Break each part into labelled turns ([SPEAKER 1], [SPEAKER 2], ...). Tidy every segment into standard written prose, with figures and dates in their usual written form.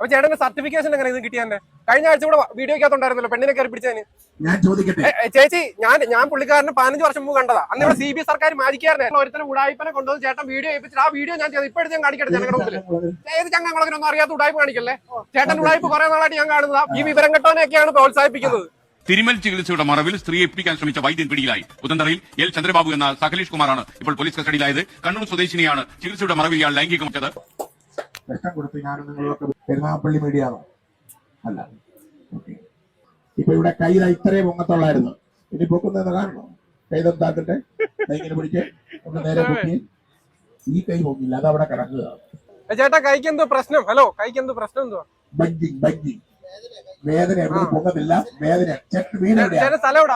[SPEAKER 1] അപ്പൊ ചേട്ടന്റെ സർട്ടിഫിക്കേഷൻ എങ്ങനെ ഇത് കിട്ടിയാന്റെ? കഴിഞ്ഞ ആഴ്ച കൂടെ വീഡിയോക്കകത്തുണ്ടായിരുന്നല്ലോ പെണ്ണിനെ കയറി പിടിച്ചതിന്.
[SPEAKER 2] ഞാൻ ചോദിക്കട്ടെ
[SPEAKER 1] ചേച്ചി, ഞാൻ പുള്ളിക്കാരന് 15 വർഷം മുമ്പ് കണ്ടതാ. അന്ന് ഇവിടെ CB സർക്കാർ മാജിക്കാരനെ ഒരുത്തരം ഉടായ്പനെ കൊണ്ടുവന്ന് ചേട്ടൻ വീഡിയോ ഏൽപ്പിച്ചിട്ട് ആ വീഡിയോ ഞാൻ ഇപ്പോഴും ഞാൻ കാണിക്കട്ടെ ജനങ്ങളുടെ മുമ്പിൽ. ഏത് ചങ്ങങ്ങളൊന്നും അറിയാത്ത ഉടായ്പ കാണിക്കല്ലേ. ചേട്ടൻ ഉടായ്പ കുറെ നാളായിട്ട് ഞാൻ കാണുന്നതാ. ഈ വിവരം കെട്ടവനെയൊക്കെയാണ് പ്രോത്സാഹിപ്പിക്കുന്നത്.
[SPEAKER 3] തിരുമൽ ചികിത്സയുടെ മറവിൽ സ്ത്രീയെ പിടിക്കാൻ ശ്രമിച്ച വൈദ്യൻ പിടിയിലായി. പുത്തന്തറയിൽ എൽ ചന്ദ്രബാബു എന്ന സകലേഷ് കുമാറാണ് ഇപ്പോൾ പോലീസ് കസ്റ്റഡിയിലായത്. കണ്ണൂർ സ്വദേശിനിയാണ് ചികിത്സയുടെ മറവിൽ ഇയാൾ ലൈംഗികമറ്റത്.
[SPEAKER 2] പ്രശ്നം കൊടുത്ത് ഞാനും നിങ്ങളൊക്കെ പെരുമാപ്പള്ളി മീഡിയ ആണോ? അല്ല. ഓക്കെ. ഇപ്പൊ ഇവിടെ കൈ ഇത്രയും പൊങ്ങത്തുള്ളായിരുന്നു. ഇനി പൊക്കുന്നത് കാണണോ? കൈതൊത്താക്കട്ടെ. കൈങ്ങനെ പിടിച്ച് ഒന്ന് നേരെ പൊക്കി. ഈ കൈ പൊങ്ങില്ല, അത് അവിടെ കിടക്കുക.
[SPEAKER 1] ചേട്ടാ കൈക്ക് എന്തോ പ്രശ്നം? ഹലോ, കൈക്ക് എന്തോ പ്രശ്നം? എന്തുവാ?
[SPEAKER 2] ബഞ്ചിങ് വേദന എവിടെ പൊങ്ങത്തില്ല. വേദന
[SPEAKER 1] സ്ഥലം എവിടാ?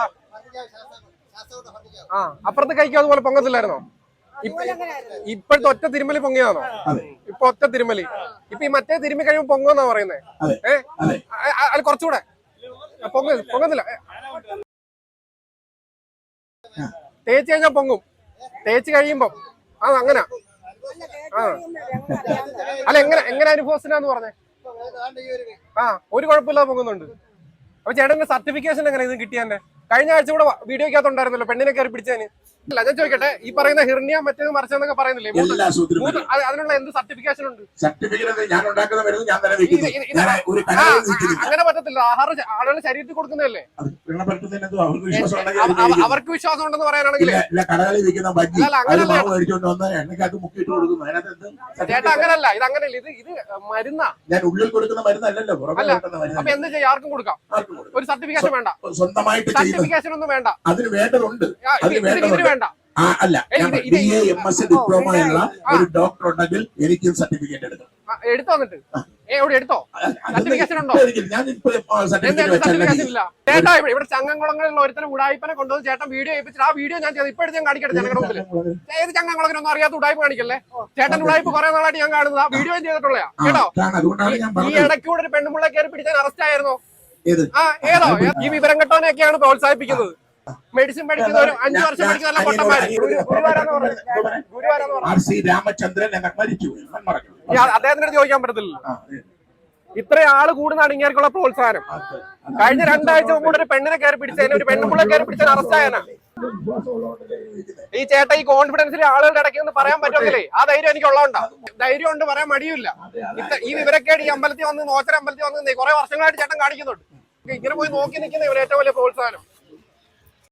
[SPEAKER 1] അപ്പുറത്ത് കൈക്ക് അതുപോലെ പൊങ്ങത്തില്ലായിരുന്നോ? ഇപ്പോഴത്തെ ഒറ്റ തിരുമലി പൊങ്ങിയാണോ? ഇപ്പൊ ഒറ്റ തിരുമലി. ഇപ്പൊ ഈ മറ്റേ തിരുമി കഴിയുമ്പോ പൊങ്ങുന്നാ പറയുന്നേ. അത് കുറച്ചുകൂടെ പൊങ്ങുന്നില്ല. തേച്ച് കഴിഞ്ഞാൽ പൊങ്ങും. തേച്ച് കഴിയുമ്പോ അങ്ങനെ അല്ല. എങ്ങനെ അനുഭവത്തിനാന്ന് പറഞ്ഞേ? ഒരു കുഴപ്പമില്ലാതെ പൊങ്ങുന്നുണ്ട്. അപ്പൊ ചേട്ടന്റെ സർട്ടിഫിക്കേഷൻ എങ്ങനെ ഇത് കിട്ടിയാന്റെ? കഴിഞ്ഞ ആഴ്ച കൂടെ വീഡിയോക്കകത്തുണ്ടായിരുന്നല്ലോ പെണ്ണിനെ കയറി പിടിച്ചതിന്. അല്ല, ഞാൻ ചോദിക്കട്ടെ, ഈ പറയുന്ന ഹിർണിയ മറ്റേത് മറിച്ചെന്നൊക്കെ പറയുന്നില്ലേ, അതിനുള്ള എന്ത് സർട്ടിഫിക്കേഷൻ ഉണ്ട്? അങ്ങനെ പറ്റത്തില്ല. ആളുകൾ ശരീരത്തിൽ കൊടുക്കുന്നതല്ലേ. അവർക്ക് വിശ്വാസം ഉണ്ടെന്ന് പറയാനാണെങ്കിൽ ചേട്ടാ അങ്ങനല്ല. ഇത് അങ്ങനെയല്ല. ഇത് മരുന്നാ.
[SPEAKER 2] ഞാൻ ഉള്ളിൽ കൊടുക്കുന്ന മരുന്നല്ലല്ലോ.
[SPEAKER 1] അപ്പൊ എന്ത് ചെയ്യാം? ആർക്കും കൊടുക്കാം. ഒരു സർട്ടിഫിക്കേഷൻ വേണ്ട.
[SPEAKER 2] സ്വന്തമായിട്ട്
[SPEAKER 1] സർട്ടിഫിക്കേഷൻ ഒന്നും വേണ്ട.
[SPEAKER 2] അതിന് വേണ്ടതുണ്ട്.
[SPEAKER 1] ഇതിന് വേണ്ട.
[SPEAKER 2] അല്ല, BA-MS ഡിപ്ലോമ ഉള്ള ഒരു ഡോക്ടർ ഉണ്ടെങ്കിൽ എനിക്കും സർട്ടിഫിക്കറ്റ് എടുക്കാം.
[SPEAKER 1] എടുത്തോ? എന്നിട്ട് എവിടെ എടുത്തോ? സർട്ടിഫിക്കേഷൻ ഉണ്ടോ? സർട്ടിഫിക്കേഷൻ ഇല്ല. ചേട്ടാ, ഇവിടെ ചങ്ങംകുളങ്ങളിലുള്ള ഒരുത്തരം ഉടായ്പനെ കൊണ്ടുവന്ന് ചേട്ടൻ വീഡിയോ ഏൽപ്പിച്ചിട്ട് ആ വീഡിയോ ഞാൻ ഇപ്പോഴും ഞാൻ കാണിക്കട്ടെ ജനങ്ങളുടെ മുമ്പിൽ. ഏത് ചങ്ങംകുളത്തിനൊന്നും അറിയാത്ത ഉടായ്പ കാണിക്കല്ലേ. ചേട്ടൻ ഉടായ്പ കുറെ നാളായിട്ട് ഞാൻ കാണുന്നതാ. വീഡിയോ ചെയ്തിട്ടുള്ള കേട്ടോ. ഈ ഇടയ്ക്കൂടെ ഒരു പെണ്ണുമുള്ള കയറി പിടിച്ചാൽ അറസ്റ്റ് ആയിരുന്നോ? ഏതോ ഈ വിവരം കെട്ടവനെയൊക്കെയാണ് പ്രോത്സാഹിപ്പിക്കുന്നത്. മെഡിസിൻ പഠിക്കുന്ന ഒരു 5 വർഷം പഠിക്കുന്ന പൊട്ടന്മാര്. അദ്ദേഹത്തിന്റെ ചോദിക്കാൻ പറ്റത്തില്ല. ഇത്രയും ആള് കൂടുന്നതാണ് ഇങ്ങനെയുള്ള പ്രോത്സാഹനം. കഴിഞ്ഞ 2 ആഴ്ച മുമ്പ് ഒരു പെണ്ണിനെ കയറി പിടിച്ചതിന്, ഒരു പെണ്ണുമുള്ള കയറി പിടിച്ചതിന് അറസ്റ്റ് ആയനാ. ഈ ചേട്ട ഈ കോൺഫിഡൻസിൽ ആളുകളുടെ ഇടയ്ക്ക് എന്ന് പറയാൻ പറ്റുമെങ്കിലേ ആ ധൈര്യം എനിക്ക് ഉള്ളതുകൊണ്ടാ. ധൈര്യം കൊണ്ട് പറയാൻ മടിയില്ല. ഈ വിവരക്കേട് ഈ അമ്പലത്തിൽ വന്ന്, നോച്ചര അമ്പലത്തിൽ വന്ന് കുറെ വർഷങ്ങളായിട്ട് ചേട്ടൻ കാണിക്കുന്നുണ്ട്. ഇങ്ങനെ പോയി നോക്കി നിൽക്കുന്ന ഇവർ ഏറ്റവും വലിയ പ്രോത്സാഹനം.